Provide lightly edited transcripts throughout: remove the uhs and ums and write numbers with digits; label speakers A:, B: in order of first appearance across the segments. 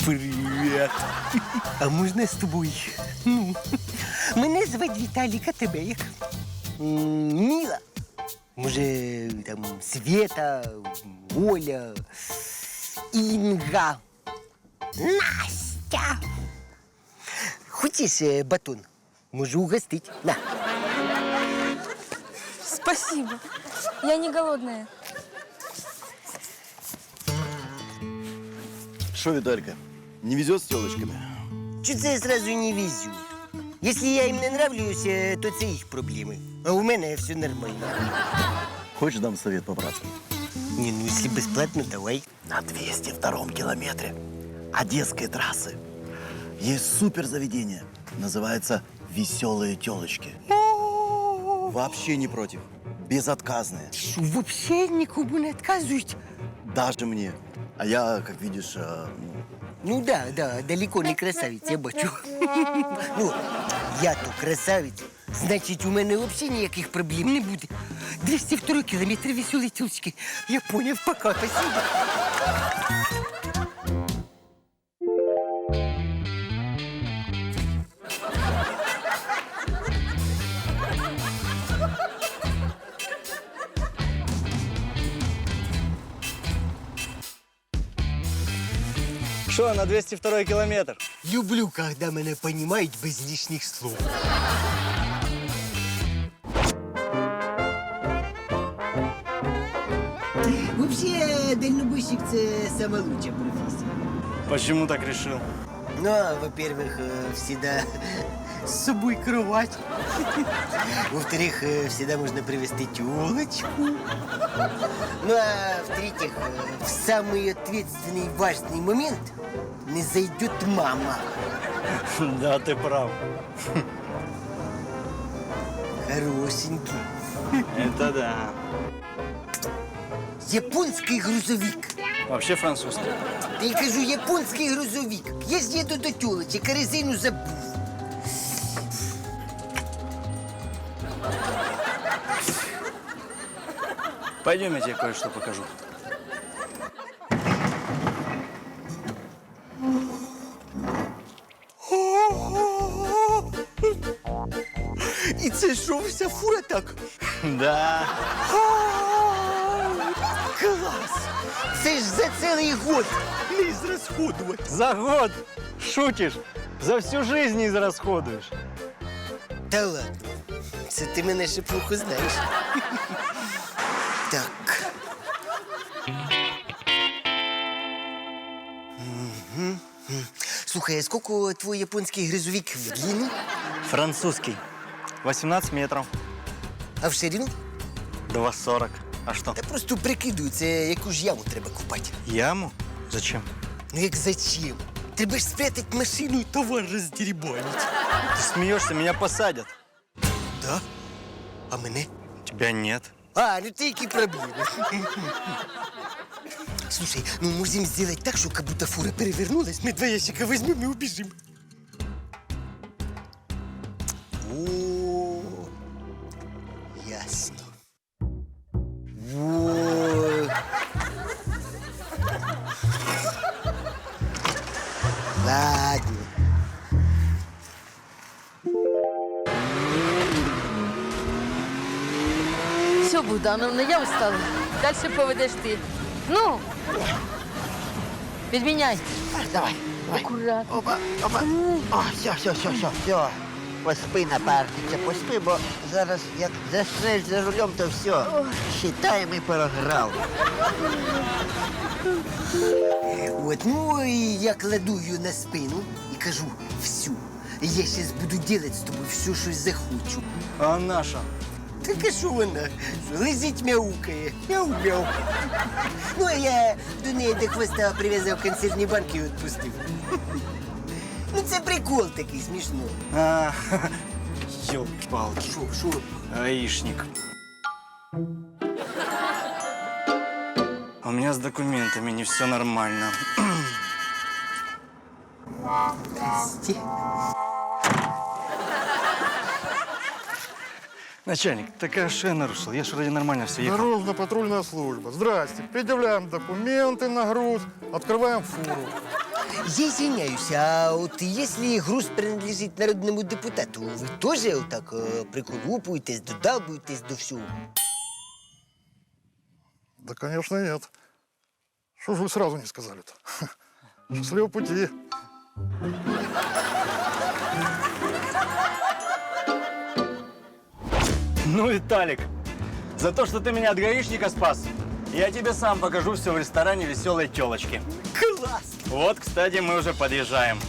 A: Привіт. А можна з тобою? Ну, мене звати Віталік, а тебе як? Міла. Може, там, Света, Оля, Інга, Настя. Хочеш батон? Можу угостить. На.
B: Спасибо. Я не голодная.
C: Что, Виталька, не везет с телочками?
A: Чого це я сразу не везу? Якщо я їм не нравлюсь, то це їх проблеми. А у мене все нормально.
C: Хочешь, дам совет по-братски?
A: Не, ну если бесплатно, давай.
C: На 202-м километре Одесской трассы есть супер заведение. Называется «Веселые телочки». Вообще не против. Безотказные.
A: Что, вообще никому не отказывают?
C: Даже мне. А я, как видишь,
A: Ну да, далеко не красавець, я бачу. Ну, я то красавець. Значить, у мене взагалі ніяких проблем не буде. 202 кілометр веселої тілочки. Я поняв, пока, спасибо.
D: Что, на 202 километр?
A: Люблю, когда мене понимають без лишних слов. Вообще, дальнобойщик – це сама лучшая профессия.
D: Почему так решил?
A: Ну, во-первых, всегда с собой кровать. Во-вторых, всегда можно привезти тёлочку. Ну, а в-третьих, в самый ответственный важный момент не зайдет мама.
D: Да, ты прав.
A: Хорошенький.
D: Это да.
A: Японский грузовик.
D: Вообще французский.
A: Та я кажу, японський грузовик. Я ж їду до тёлочек, а резину забув.
D: Пойдем, я тебе кое-что покажу.
A: І це що, вся фура так?
D: Да.
A: Клас! Це ж за цілий год не зрозходувати.
D: За год шутишь. За всю жизнь не израсходуешь.
A: Та ладно, це ти мене ще плохо знаєш. Так. Слухай, а скільки твій японський грузовик в длину,
D: Французский. 18 метров.
A: а в ширину?
D: 2,40. А что?
A: Та просто прикидую, це яку ж яму треба купати.
D: Яму? Зачем?
A: Ну як зачем? Треба ж спрятати машину і товар роздерибанити.
D: Ты смеешься, меня посадят.
A: Да? А мене?
D: Тебя нет.
A: А, ну це які проблеми. Слушай, ну можем сделать так, что как будто фура перевернулась, мы 2 ящика возьмем и убежим. О, ясно. Вот. Ладно.
B: Все, Богдановна, я устала. Дальше поведеш ти. Ну, підміняй.
E: Давай, давай.
B: Аккуратно.
E: Опа, опа. О, все. Поспи, напарниця, поспи, бо зараз як заснеш за рулем, то все. Считаємо і програв.
A: Вот, ну и я кладу ее на спину и кажу, всю. Я сейчас буду делать с тобой все, что захочу.
D: А наша?
A: Так а що вона? Лежить мяукає. Мяу-мяу. Ну, а я до неї до хвоста прив'язав консервні банки і відпустив. Ну, це прикол такий, смішно.
D: А, ёлки-палки.
A: Шо?
D: Гаишник. У меня с документами не все нормально.
A: Здрасте.
D: Начальник, такая что я нарушил? Я же вроде нормально все ехал.
F: Дорожно-патрульная служба. Здрасте. Предъявляем документы на груз, открываем фуру.
A: Я извиняюсь, а вот если груз принадлежит народному депутату, вы тоже вот так приколупуетесь, додалбуетесь до всего?
F: Да, конечно, нет. Что же вы сразу не сказали-то? Счастливого пути.
D: Ну, Виталик, за то, что ты меня от гаишника спас, я тебе сам покажу все в ресторане «Веселой телочки».
A: Класс!
D: Вот, кстати, мы уже подъезжаем.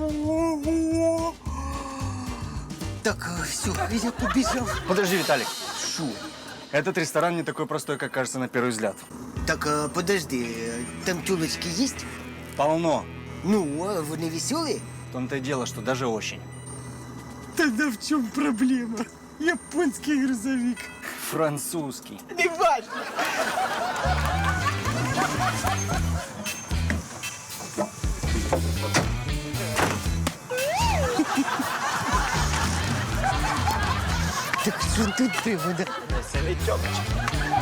A: Так, все, я побежал.
D: Подожди, Виталик.
A: Шо?
D: Этот ресторан не такой простой, как кажется на первый взгляд.
A: Так, подожди, там тёлочки есть?
D: Полно.
A: Ну, а вони веселые?
D: В том-то и дело, что даже очень.
A: Тогда в чем проблема? Японский грузовик.
D: Французский.
A: Не важно. Так что тут было, да?
D: Веселой телочки.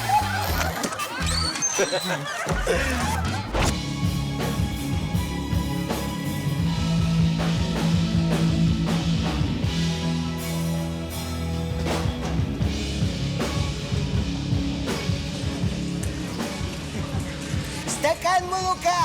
A: Стакан молока!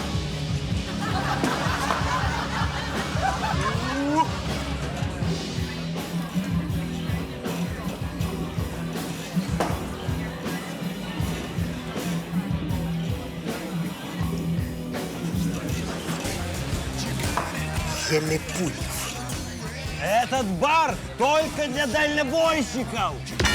A: Я не понял.
G: Этот бар только для дальнобойщиков.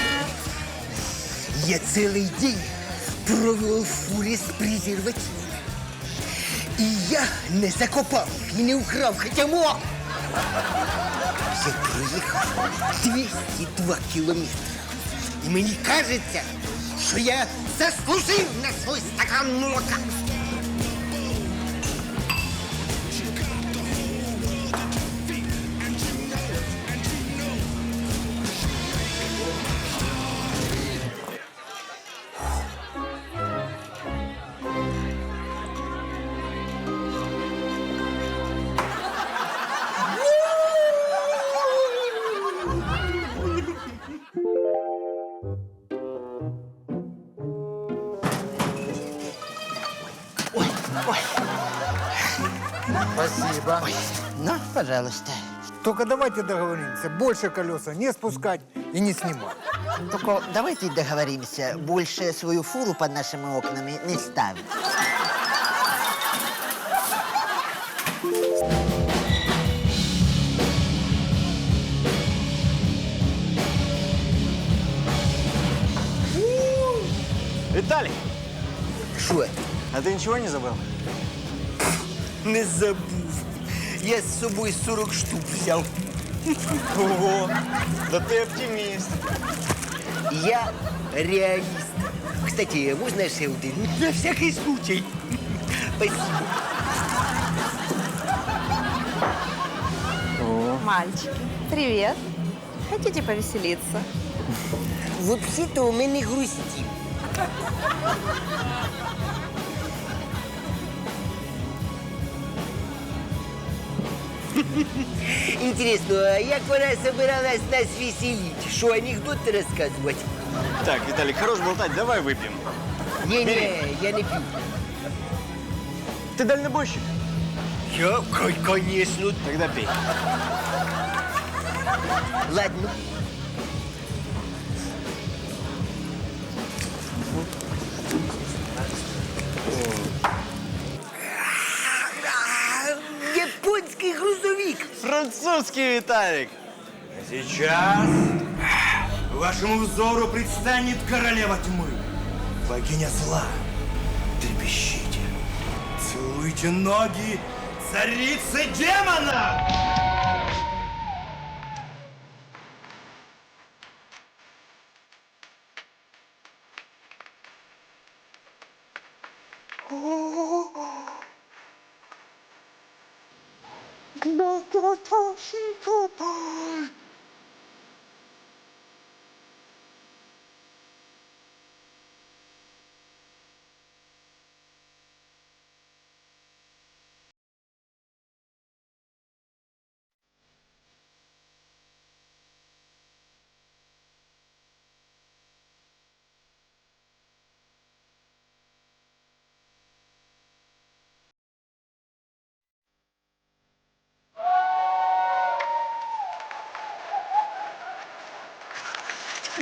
A: Я целый день провел в фуре з презервативами. І я не закопав їх і не украв, хоча мог. Я проїхав 202 кілометри. І мені кажеться, що я заслужив на свій стакан молока.
E: Спасибо. Ну, пожалуйста.
H: Только давайте договоримся, больше колеса не спускать и не снимать.
E: Только давайте договоримся, больше свою фуру под нашими окнами не ставить.
D: Виталик,
A: Що?
D: а ты ничего не забыл?
A: Не забув. Я з собою 40 штук взяв.
D: Ого, да ты оптимист.
A: Я реалист. Кстати, можна ще один? На всякий случай. Спасибо.
I: Мальчики, привет. Хотите повеселиться?
A: Взагалі-то у мене грустів. Інтересно, а як вона собиралась нас веселить? Що, анекдоти розказувати?
D: Так, Виталик, хорош болтать, давай выпьем.
A: Ні-ні, я не п'ю.
D: Ты дальнобойщик?
A: Я, конечно.
D: Тогда пей.
A: Ладно. Японский грузовик.
D: Французский, Виталик.
G: Сейчас вашему взору предстанет королева тьмы, богиня зла. Трепещите, целуйте ноги царицы демона!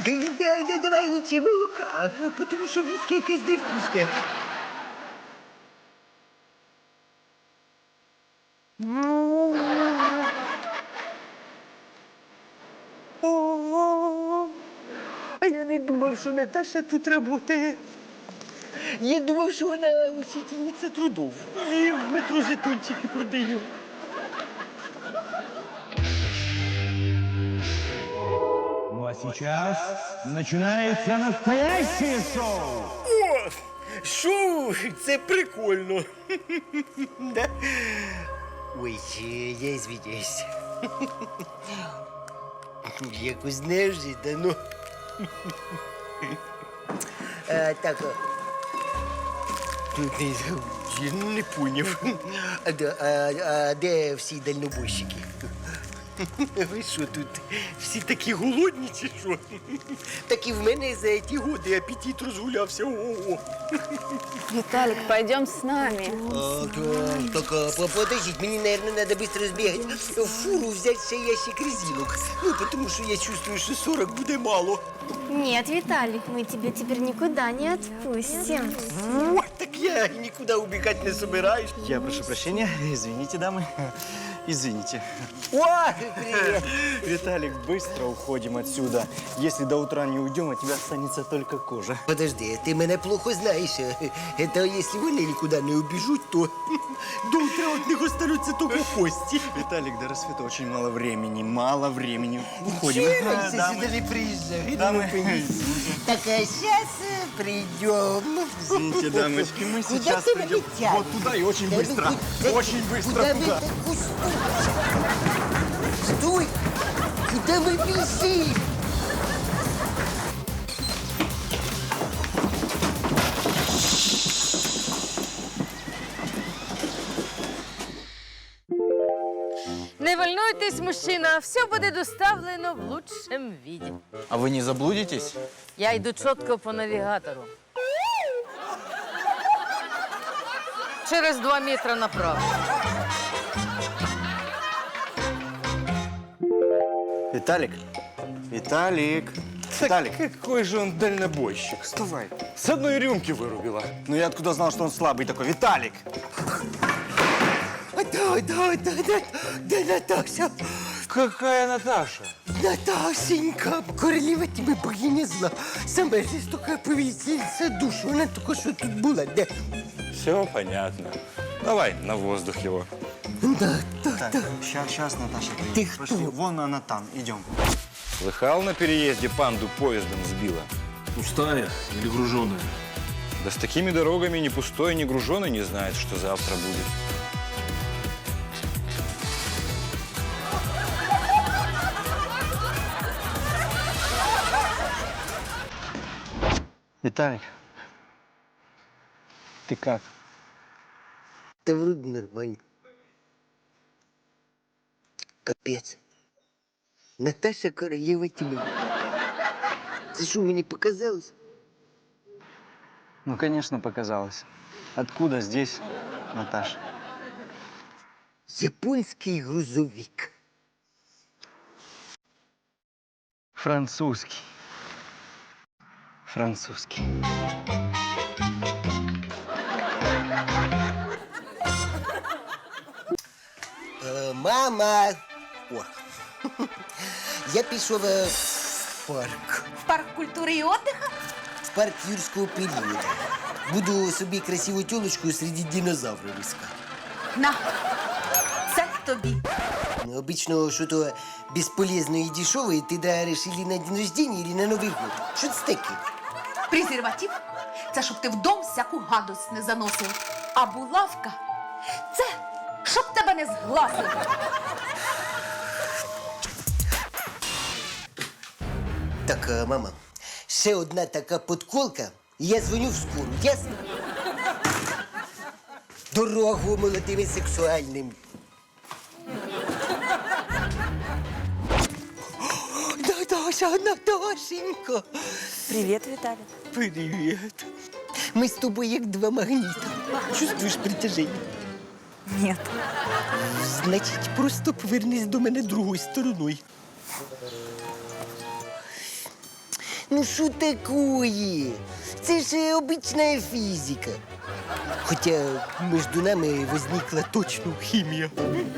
A: Давай лучше молока, тому що віскі якесь невкусне. А я не думав, що Наташа тут працює. Я думав, що вона учительниця трудов. І в метро жетончики продаю.
G: Ну а сейчас начинается настоящее шоу.
A: О, шоу, це прикольно. Да? Ой, я извиняюсь. Якось неожиданно. Так, я не поняв. А де всі дальнобойщики? Ви що тут, всі такі голодні чи що? Так і в мене за ці годи апетит розгулявся. Ого.
I: Виталик, пойдем с нами.
A: Подождіть, мені, наверное, надо быстро збігати в фуру, взяти ще ящик резинок. Ну, тому що я чувствую, що 40 буде мало.
J: Нет, Виталик, мы тебя теперь никуда не отпустим.
A: Вот, так я и никуда убегать не собираюсь.
D: Я прошу прощения, извините, дамы. Извините.
A: О, привет.
D: Виталик, быстро уходим отсюда. Если до утра не уйдем, от тебя останется только кожа.
A: Подожди, ты меня плохо знаешь. Это если вони никуда не убежут, то до утра от них останутся только кости.
D: Виталик, до рассвета очень мало времени. Мало времени. Уходим.
A: Раньше
D: Дамы.
A: сюда не приезжай.
D: Дамы.
A: Так, а сейчас придем.
D: Извините, дамочки, мы
A: Куда
D: сейчас
A: ты
D: придем
A: меня
D: вот туда и очень
A: тянешь?
D: быстро. Очень быстро
A: Куда мы
D: туда.
A: так Стой! Куда мы бежим?
B: Не волнуйтесь, мужчина, все буде доставлено в лучшем виде.
D: А вы не заблудитесь?
B: Я йду чітко по навігатору. Через 2 метра направо.
D: Виталик. Виталик. Виталик.
G: Какой же он дальнобойщик.
D: Вставай.
G: С одной рюмки вырубила.
D: Ну я откуда знал, что он слабый такой? Виталик.
A: Да, Наташа.
G: Какая Наташа?
A: Наташенька, королева тебе богиня зла. Саме жорстока повелительниця душу. Вона тільки що тут була. Де?
G: Все понятно. Давай на воздух его.
A: Да.
D: Сейчас Наташа
A: Ты
D: приедет.
A: кто?
D: Пошли, вон она там. Идем.
G: Слыхал, на переезде панду поездом сбила?
K: Пустая или груженая?
G: Да с такими дорогами ни пустой, ни груженый не знает, что завтра будет.
D: Виталик. Ты как?
A: Та вроде нормально. Капець. Наташа королева тьми. Це що, мені показалось?
D: Ну, конечно, показалось. Откуда здесь, Наташа?
A: Японський грузовик.
D: Французский. Французский.
A: Мама! О, я пішов в парк.
I: В парк культуры и отдыха?
A: В парк юрського періоду. Буду собі красиву тілочку серед динозаврів искати.
I: На, це тобі.
A: Ну, обычно что-то бесполезное и дешевое ты даришь или на день рождения, или на Новый год. Что это таке?
I: Презерватив – це щоб ти в дом всяку гадость не заносив. А булавка – це щоб тебе не згласили.
A: Так, мама, ще одна така подколка, і я дзвоню в скору, ясно? Дорогу молодим і сексуальним. Наташенька.
I: Привіт, Віталій.
A: Привет. Мы с тобой як два магнита. Чувствуешь притяжение?
I: Ні.
A: Значить, просто повернись до мене другою стороною. Ну що такое? Це ж обична фізика. Хоча між нами возникла точно хімія.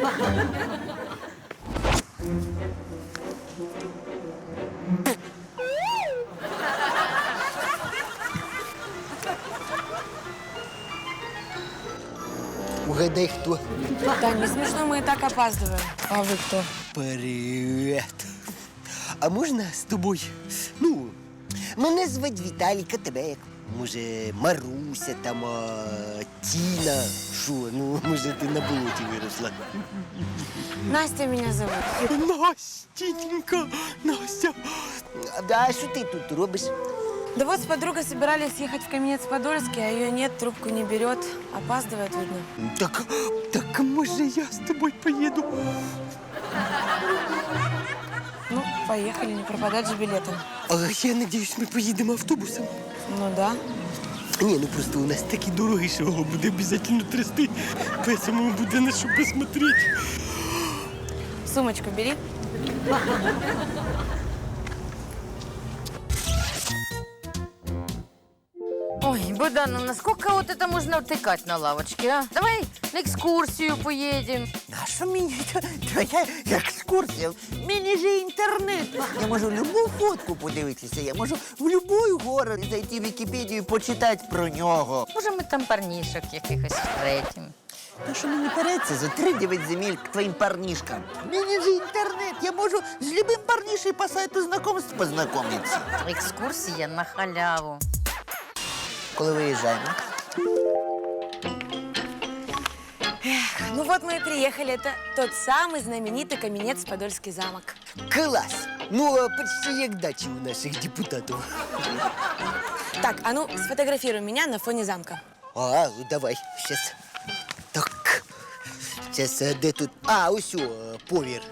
A: Угадай, хто?
B: Тань, не смешно, мы и так опаздываем. А вы кто?
A: Привет. А можна з тобою? Ну, мене звать Віталік, а тебе як? Може, Маруся там, Тіна. Що, ну, може, ти на болоті виросла?
B: Настя меня зовут.
A: Настенька, Настя. А що ти тут робиш?
B: Да вот с подругой собирались ехать в Каменец-Подольский, а ее нет, трубку не берет. Опаздывает, видно.
A: Так може я з тобою поїду?
B: Ну, поехали, не пропадать же билетом.
A: А я надіюсь, ми поїдемо автобусом.
B: Ну да.
A: Ні, ну просто у нас такі дороги, що його буде обов'язково трясти. Поэтому буде на що посмотрети.
B: Сумочку бери. Ой, Богдановна, сколько вот это можно втыкать на лавочке, а? Давай на экскурсию поедем.
E: А що мені твоя екскурсія? В мене же інтернет. Я можу любу фотку подивитися, я можу в будь-який город зайти в Вікіпедію і почитати про нього.
B: Може, ми там парнішок якихось встретим.
E: Та що мені переться за 3-9 земель к твоїм парнішкам? В мене же інтернет, я можу з любим парнішем по сайту знакомств познайомитися.
B: Экскурсия на халяву.
E: Коли виїжджаємо?
B: Ну вот мы и приехали. Это тот самый знаменитый Каменец-Подольский замок.
A: Клас! Ну, почти як дачі у наших депутатів.
B: Так, а ну сфотографируй меня на фоне замка.
A: Ну давай, щас. Так. Щас, де тут? Ось, повір.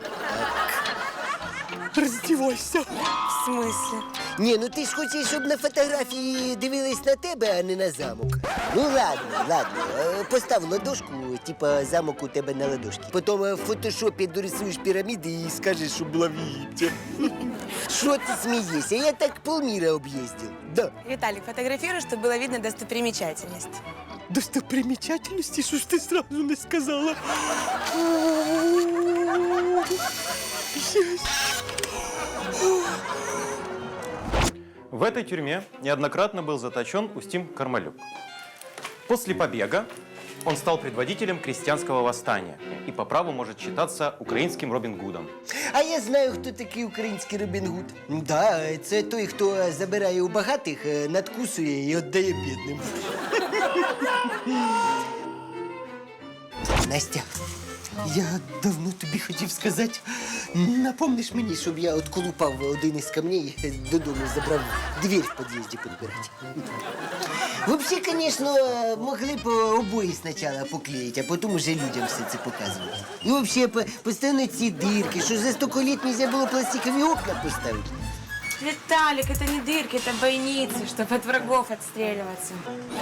A: Так. Роздівайся.
B: В смысле?
A: Ні, ну ти ж хочеш, щоб на фотографії дивились на тебе, а не на замок. Ну ладно. Постав ладошку, типа замок у тебе на ладошці. Потім в фотошопі дорисуєш піраміди і скажеш, що була в Єгипті. Що ти смієшся? Я так полміра об'їздив. Да.
B: Виталик, фотографируй, чтобы было видно достопримечательность.
A: Достопримечательности? Що ж ти сразу не сказала?
L: В этой тюрьме неоднократно был заточен Устим Кармалюк. После побега он стал предводителем крестьянского восстания и по праву может считаться украинским Робин Гудом.
A: А я знаю, хто такий український Робін Гуд. Да, це той, хто забирає у багатих, надкусує і віддає бідним. Настя, я давно тобі хотів сказати, напомниш мені, щоб я отколупав один із камней, додому забрав двір в під'їзді підбирати. Взагалі, звісно, могли б обої спочатку поклеїти, а потім уже людям все це показувати. І взагалі, постійно ці дирки, що за 100 літ нельзя було пластикові окна поставити.
B: Виталик, это не дырки, это бойницы, чтобы от врагов отстреливаться.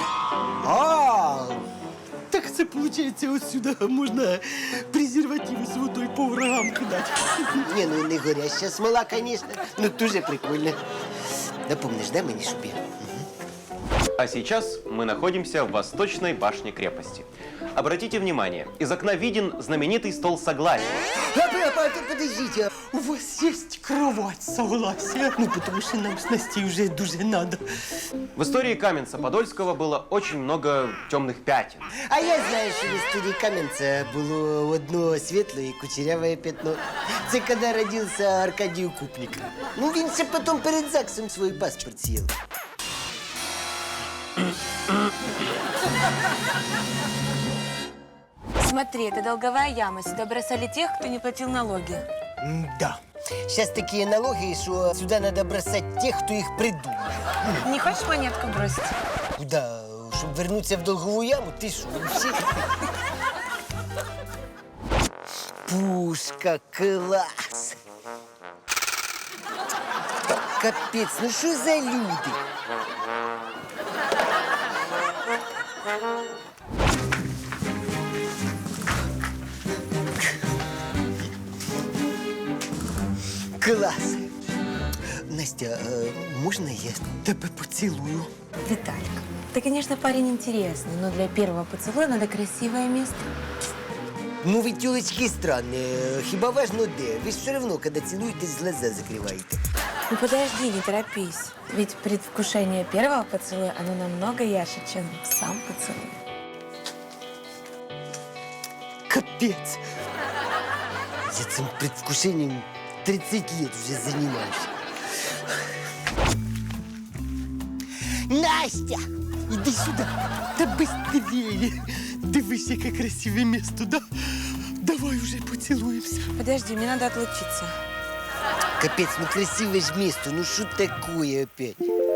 A: Так це, виходить, ось сюди можна презервативи з водою по врагам кидати. Ні, ну не горяща смола, звісно, ну дуже прикольно. Напомниш, да, мені, щоб я?
L: А сейчас мы находимся в восточной башне крепости. Обратите внимание, из окна виден знаменитый стол согласия.
A: Подождите, у вас есть кровать согласия? Ну, потому что нам с Настей уже дуже надо.
L: В истории Каменца-Подольского было очень много темных пятен.
A: А я знаю, що в історії Кам'янця було одно світле і кучеряве пятно. Це коли родився Аркадій Укупник. Ну, він ще потім перед ЗАГСом свій паспорт з'їв.
B: Смотри, это долговая яма. Сюда бросали тех, кто не платил налоги.
A: Да. Сейчас такие налоги, что сюда надо бросать тех, кто их придумал.
B: Не хочешь монетку бросить?
A: Куда? Чтобы вернуться в долговую яму? Ты что, вообще? Пушка, класс! Капец, ну что за люди? Класс! Настя, Настя, можна я тебе поцілую?
J: Виталик, ты, конечно, парень интересный, но для первого поцелуя надо красивое место.
A: Ну, ви тілочки странні. Хіба важно де? Ви ж все одно, коли цілуєтесь, глаза закриваєте.
J: Ну подожди, не торопись. Ведь предвкушение первого поцелуя, оно намного ярче, чем сам поцелуй.
A: Капець. Я цим предвкушенням 30 лет вже займаюся. Настя! Іди сюди. Та быстрее. Дивись, яке красиве місто, да? Давай уже поцілуємося.
J: Подожди, мне надо отлучиться.
A: Капець, ну красиве ж місто, ну що такое опять?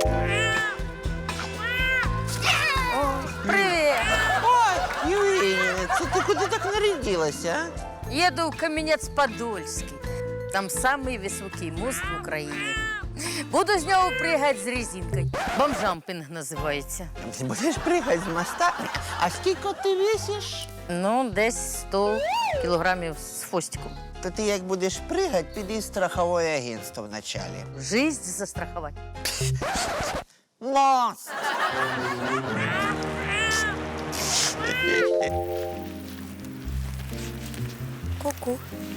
B: Привіт!
E: Ой, Євгенія, це ти куди так нарядилася, а?
B: Еду в Кам'янець-Подольський. Там самий високий мост в Україні. Буду з нього пригати з резинкою. Бомжампінг називається.
E: Ти будеш пригати з моста? А скільки ти весиш?
B: Ну, десь 100 кілограмів з хвостиком.
E: То ти як будеш пригати, піди в страхове агентство вначалі.
B: Жизнь застрахувати.
E: Мост!
J: Ку-ку.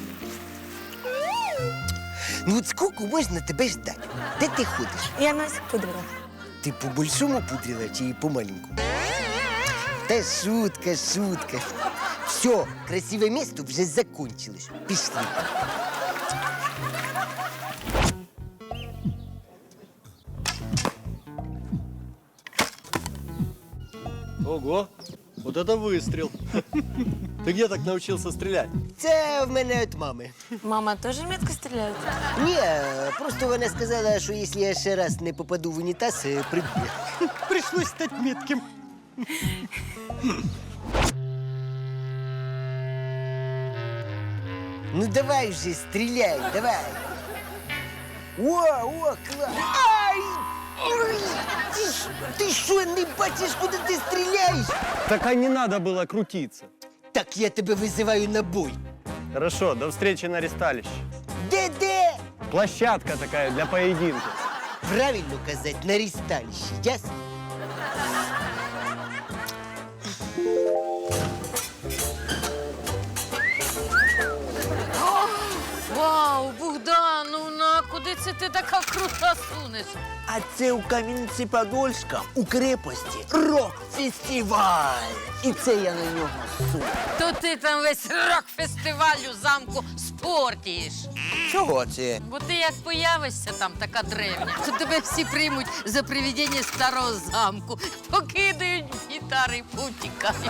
A: Ну от скільки можна тебе ждати? Де ти ходиш?
J: Я носик пудрила.
A: Ти по-большому пудрила чи по-маленькому? Та шутка, шутка. Все, красиве місто вже закончилось. Пішли.
D: Ого, вот это выстрел. Ты где так научился стрелять?
A: Це в мене від мами.
J: Мама тоже метко стреляет?
A: Ні, просто вона сказала, що якщо я ще раз не попаду в унітаз, приб'є. Прийшлось стати метким. Ну давай вже, стріляй, давай. О, клас. Ай! Ой, ти що, не бачиш, куди ти стріляєш?
D: Так а не надо было крутиться.
A: Так я тебе визиваю на бой.
D: Хорошо, до встречи на ресталище.
A: Де?
D: Площадка такая для поединка.
A: Правильно казати, на ресталище, ясно?
B: Вау, Богдановна, куди це ти така крута сунеш?
E: А це у Кам'янці-Подольська, у крепості, рок-фестиваль. І це я на нього суну.
B: То ти там весь рок-фестиваль у замку спортіш.
E: Чого це?
B: Бо ти як появишся там така древня, то тебе всі приймуть за привидіння старого замку, покидають гітари і потікають.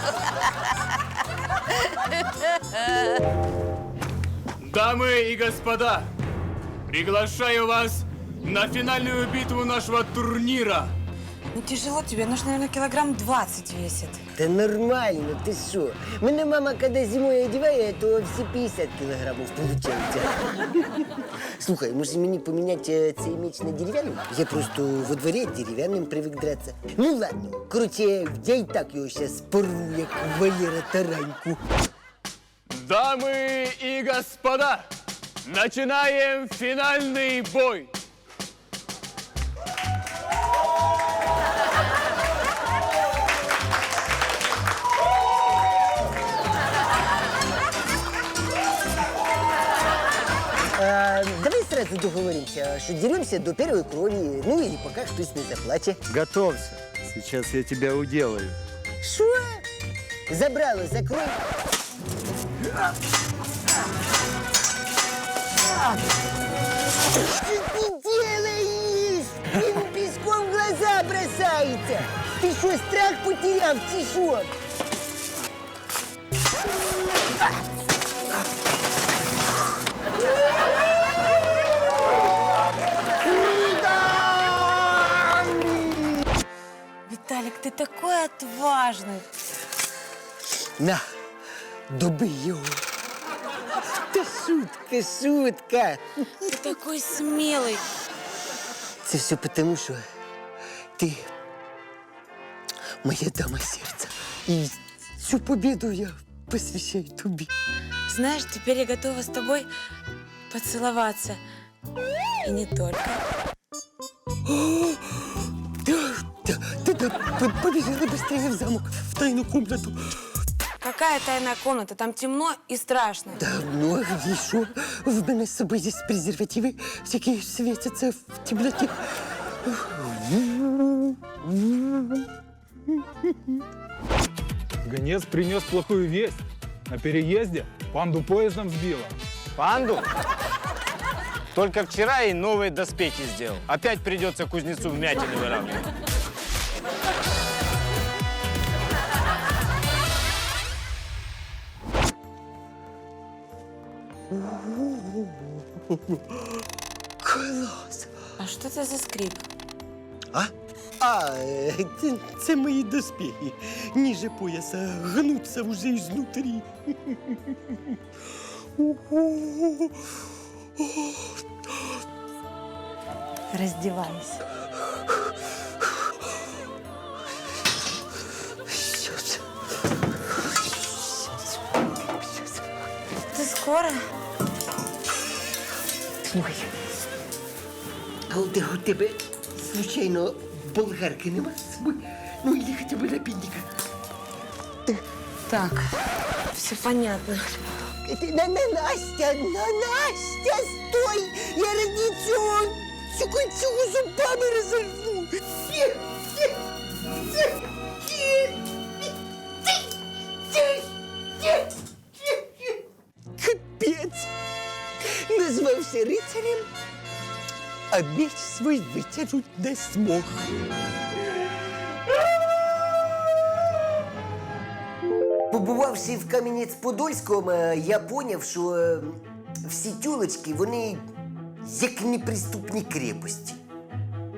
K: Дамы и господа, приглашаю вас на финальную битву нашего турнира.
J: Ну тяжело тебе, нужно, наверное, килограмм 20 весит.
A: Та нормально, ти що? Мене мама, коли зимою одягає, то всі 50 кілограмів получається. Слухай, може мені поміняти цей меч на дерев'яний? Я просто во дворі дерев'яним привик драться. Ну ладно, короче, я і так його зараз порву, як Валера Тараньку.
K: Дамы и господа, начинаем финальный бой.
A: Давай сразу договоримся, что деремся до первой крови, ну или пока хтось не заплаче.
D: Готовься, сейчас я тебя уделаю.
A: Что? Забрало, закрой. Что ты делаешь? Ему песком в глаза бросается. Ты что, страх потерял, тишок?
J: Виталик, ты такой отважный.
A: На, добий його. Та шутка, шутка.
J: Ты такой смелый.
A: Це все потому, що ти моя дама сердца. І цю победу я посвящаю тобі.
J: Знаешь, теперь я готова с тобой поцеловаться. И не только.
A: Да, побежали быстрее в замок, в тайную комнату.
J: Какая тайная комната? Там темно и страшно.
A: Да, ну, а еще в мене з собою є презервативи, які світяться в темноті.
K: Гонец принес плохую весть. На переезде панду поездом сбила.
D: Панду? Только вчера ей новые доспехи сделал. Опять придется кузнецу вмятины выравнивать.
A: Клас!
J: А что это за скрип?
A: Це мої доспехи. Ниже пояса гнуться уже изнутри.
J: Раздевайся. Ты скоро?
A: Ой. А у тебе, случайно, болгарки нема з собою? Ну, или хотя бы напильника.
J: Так, все понятно.
A: Настя, стой! Я ради цього зубами розорву. Капець! Назвався рицарем, а меч свій витягнуть не змог. Побувавши в Кам'янець-Подольському, я зрозумів, що всі тюлочки, вони як неприступні крепості.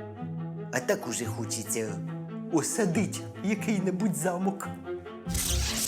A: А так уже хочеться осадити який-небудь замок.